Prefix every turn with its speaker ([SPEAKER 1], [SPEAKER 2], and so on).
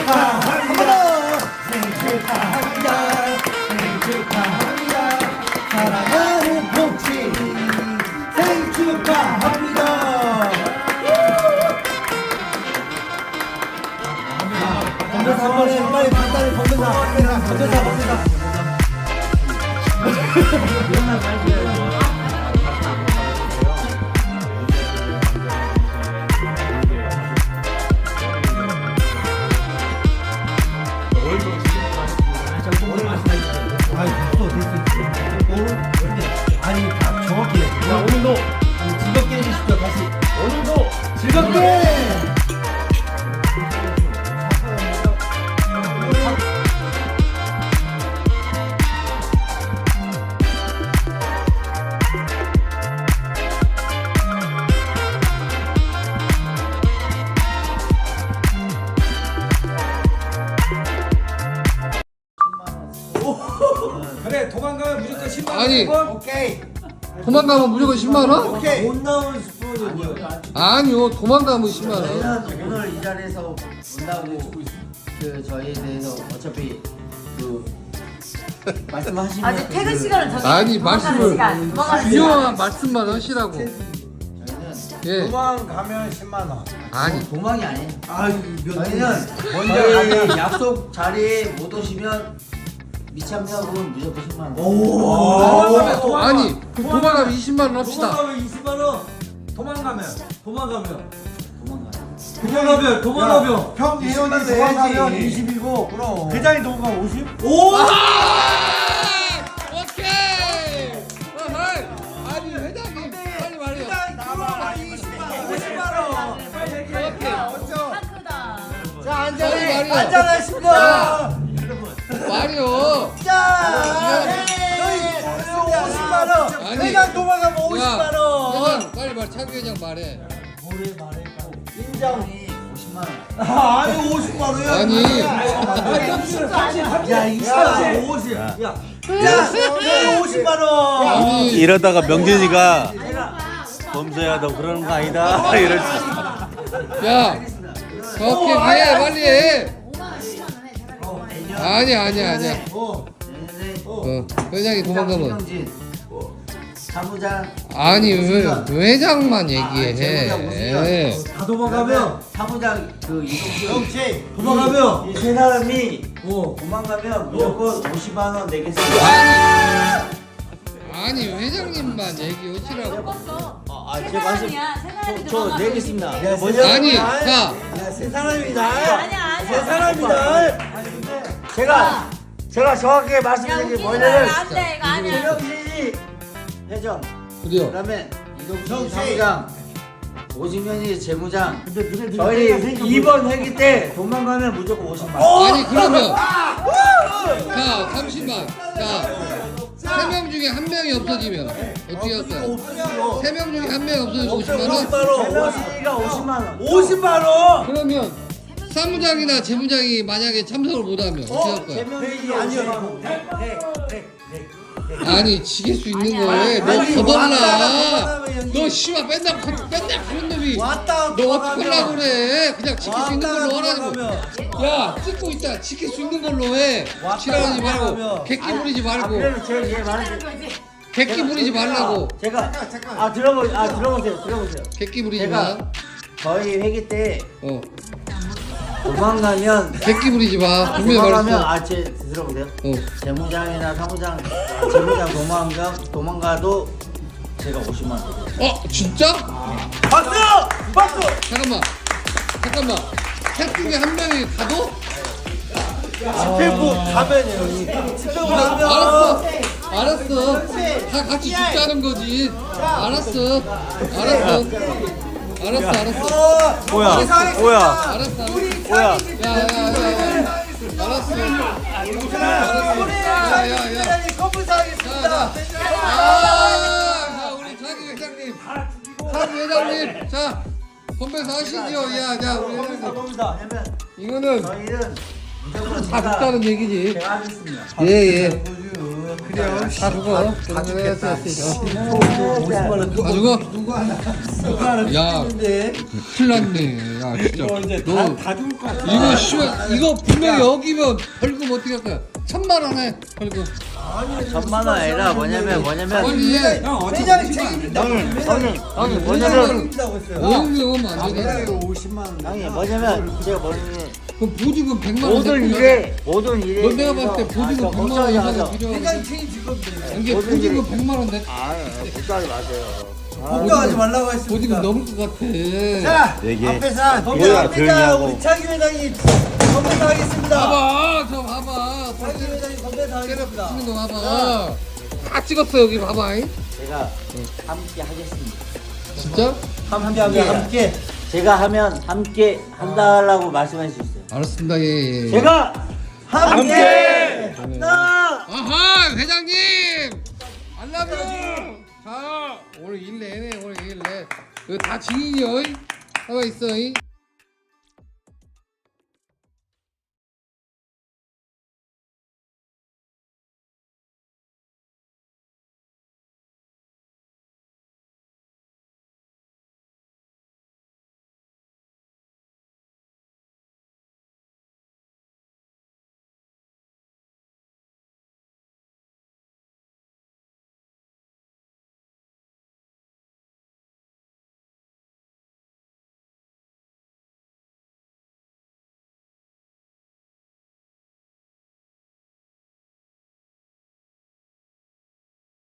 [SPEAKER 1] 축하합니다. 생일 축하합니다. 생일 축하합니다. 사랑하는 복지 생일 축하합니다. 건배사 한 번에 빨리 간단히 건배사. 아니 정확히 오늘도 즐겁게 해주십시오. 다시 오늘도 즐겁게.
[SPEAKER 2] 그래 도망가면 무조건 10만 원.
[SPEAKER 3] 아니.
[SPEAKER 1] 오케이.
[SPEAKER 3] 도망가면 무조건 10만 원?
[SPEAKER 1] 오케이.
[SPEAKER 4] 못 나온 스푼이
[SPEAKER 3] 아니요, 도망가면 10만 원.
[SPEAKER 4] 저희는 오늘 이 자리에서 온다고 그 저희에 대해서 어차피 그 말씀하시면
[SPEAKER 5] 아직 퇴근 시간을 정해.
[SPEAKER 3] 아니, 말씀을
[SPEAKER 5] 도망가는
[SPEAKER 3] 중요한 말씀만 하시라고.
[SPEAKER 4] 저희는
[SPEAKER 3] 예.
[SPEAKER 1] 도망가면 10만 원.
[SPEAKER 3] 아니,
[SPEAKER 4] 도망이 아니에요.
[SPEAKER 1] 저희는
[SPEAKER 4] 저희 약속 자리에 못 오시면 미참여분 무조건 10만 원.
[SPEAKER 1] 오.
[SPEAKER 3] 아니, 그럼 도망가면 20만 원 합시다.
[SPEAKER 2] 도망가면 20만 원. 도망가면
[SPEAKER 1] 형 예원이 도망가면 20이고 그럼 회장이 도망가면 50?
[SPEAKER 2] 오!
[SPEAKER 3] 오케이! 어허이! 아니, 회장님, 빨리 말해요.
[SPEAKER 1] 나와 50만 원.
[SPEAKER 3] 오케이.
[SPEAKER 5] 크다.
[SPEAKER 1] 자
[SPEAKER 3] 빨리 말해요.
[SPEAKER 1] 안전하십니다.
[SPEAKER 3] 말이요.
[SPEAKER 1] 자 저희 50만 원.
[SPEAKER 3] 아니.
[SPEAKER 1] 회장 도망가면 50만 원.
[SPEAKER 3] 회장, 빨리 말, 차기 회장 말해.
[SPEAKER 1] 인정.
[SPEAKER 4] 50만 원.
[SPEAKER 1] 아니 50만 원이야.
[SPEAKER 3] 아니.
[SPEAKER 1] 야 이거 50. 야 50만 원.
[SPEAKER 3] 아니,
[SPEAKER 6] 이러다가 명진이가
[SPEAKER 4] 제가
[SPEAKER 6] 범죄야 너 그러는 거 아니다 이럴 수 있어.
[SPEAKER 3] 야, 오케이, 해, 빨리 해.
[SPEAKER 5] 5만 원, 10만 원 해. 차라리 5만 원.
[SPEAKER 3] 아니야.
[SPEAKER 4] 내년에
[SPEAKER 3] 회장이 도망가면.
[SPEAKER 4] 김영진, 사무장
[SPEAKER 3] 아니, 왜 회장만
[SPEAKER 4] 재무장
[SPEAKER 3] 얘기해.
[SPEAKER 4] 오수연.
[SPEAKER 2] 다 도망가면
[SPEAKER 4] 사무장 그 이동준
[SPEAKER 1] 정치.
[SPEAKER 2] 도망가면
[SPEAKER 4] 이 세 사람이
[SPEAKER 2] 어.
[SPEAKER 4] 도망가면 무조건 50만 원 내겠습니다.
[SPEAKER 3] 아니, 회장님만 얘기하시라고.
[SPEAKER 4] 제 말씀 저 내겠습니다.
[SPEAKER 3] 아니, 자,
[SPEAKER 1] 세 사람이다.
[SPEAKER 5] 아니야.
[SPEAKER 1] 세 사람이다.
[SPEAKER 4] 제가 정확하게
[SPEAKER 5] 야,
[SPEAKER 4] 말씀드린 게
[SPEAKER 5] 웃기지
[SPEAKER 4] 뭐냐면
[SPEAKER 5] 마. 안 돼. 이거 아니야.
[SPEAKER 4] 김영진이 회장,
[SPEAKER 3] 그래요.
[SPEAKER 4] 그다음에 이동준
[SPEAKER 1] 정치.
[SPEAKER 4] 사무장, 오진현이 재무장. 저희 2번 회기 때 도망가면 무조건 50만 원.
[SPEAKER 3] 아니, 그러면. 자, 잠시만. 자, 3명 중에 1명이 없어지면 어떻게 할까요? 3명 중에 1명이 없어지면 50만 원?
[SPEAKER 4] 재명진이가 50만 원.
[SPEAKER 1] 50만 원.
[SPEAKER 3] 그러면 사무장이나 재무장이 만약에 참석을 못하면 어떻게 할까요?
[SPEAKER 4] 재명진이 아니요.
[SPEAKER 3] 아니, 지킬 수 있는 거에 너
[SPEAKER 1] 아니,
[SPEAKER 3] 거덜나.
[SPEAKER 1] 왔다
[SPEAKER 3] 너 씨발 맨날 그런 놈이
[SPEAKER 1] 왔다
[SPEAKER 3] 너 어떡하려고 그래. 그냥 지킬 수 있는 걸로 하라고.
[SPEAKER 1] 하라고.
[SPEAKER 3] 야, 찍고 있다. 지킬 수 있는 걸로 해.
[SPEAKER 1] 왔다
[SPEAKER 3] 싫어하지
[SPEAKER 1] 갔다
[SPEAKER 3] 말고
[SPEAKER 1] 하면.
[SPEAKER 3] 객기 부리지
[SPEAKER 4] 아,
[SPEAKER 3] 말고
[SPEAKER 4] 그러면 제가 얘 말을
[SPEAKER 5] 하는 거지.
[SPEAKER 3] 객기 부리지 말라고.
[SPEAKER 4] 제가 들어보세요.
[SPEAKER 3] 객기 부리지
[SPEAKER 4] 제가
[SPEAKER 3] 마.
[SPEAKER 4] 저희 회기 때
[SPEAKER 3] 어,
[SPEAKER 4] 도망가면
[SPEAKER 3] 객기 부리지 마. 분명히
[SPEAKER 4] 도망가면
[SPEAKER 3] 말했어.
[SPEAKER 4] 제 들어보세요.
[SPEAKER 3] 어.
[SPEAKER 4] 재무장이나 사무장, 재무장 도망가도 제가 50만 원.
[SPEAKER 3] 어, 진짜?
[SPEAKER 1] 박수! 박수!
[SPEAKER 3] 잠깐만. 셋 중에 한 명이 가도?
[SPEAKER 1] 집행부 가면이에요. 형님. 집행부 가면.
[SPEAKER 3] 알았어. 다 같이 죽자는 거지. 알았어.
[SPEAKER 6] 뭐야 뭐야
[SPEAKER 3] 알았어.
[SPEAKER 6] 뭐야
[SPEAKER 3] 알았어.
[SPEAKER 1] 건불사하겠습니다.
[SPEAKER 3] 자, 우리 자기 회장님. 자기 회장님. 자, 건배사 하시죠. 야, 우리 회장님.
[SPEAKER 4] 왜냐면
[SPEAKER 3] 이거는
[SPEAKER 4] 저희는 무조건
[SPEAKER 3] 다 죽자는 얘기지.
[SPEAKER 4] 제가 하겠습니다.
[SPEAKER 3] 예. 다 죽어. 다 죽겠다. 다 죽어? 야, 큰일 났네. 야, 진짜. 너, 이거, 씨발, 이거 분명 여기면 벌금 어떻게 할 거야? 1000만원에 벌금.
[SPEAKER 4] 1000만 원 아니라 뭐냐면
[SPEAKER 3] 빨리 해.
[SPEAKER 1] 회장이 책임진다.
[SPEAKER 4] 형님 뭐냐면
[SPEAKER 3] 오용료면 안 되네.
[SPEAKER 4] 형님 뭐냐면 제가 뭐냐면
[SPEAKER 3] 그럼 보증금 100만 원.
[SPEAKER 4] 모든 일에
[SPEAKER 3] 너 내가 봤을 때 보증금 100만 원 이상은 필요하고.
[SPEAKER 1] 회장이 책임질 건데.
[SPEAKER 3] 이게 보증금 100만 원 내.
[SPEAKER 4] 걱정하지 마세요.
[SPEAKER 1] 걱정하지 말라고 했습니다.
[SPEAKER 3] 보증금 넘을 것 같아.
[SPEAKER 1] 자,
[SPEAKER 6] 얘기해.
[SPEAKER 1] 앞에서
[SPEAKER 6] 뭐야, 조용히 하고.
[SPEAKER 1] 우리 차기 회장이 건배사하겠습니다.
[SPEAKER 3] 봐봐, 저 봐봐.
[SPEAKER 1] 차기 회장이 건배사하겠습니다.
[SPEAKER 3] 찍는 거 봐봐. 다 찍었어 여기 봐봐.
[SPEAKER 4] 제가 함께 하겠습니다.
[SPEAKER 3] 진짜?
[SPEAKER 1] 함께.
[SPEAKER 4] 제가 하면 함께 한다라고 말씀할 수 있어요.
[SPEAKER 3] 알았습니다. 예, 예.
[SPEAKER 4] 제가 함께 한다.
[SPEAKER 3] 아하 회장님 알라뷰. 자 오늘 일 내내 이거 다 증인이요. 가만 있어.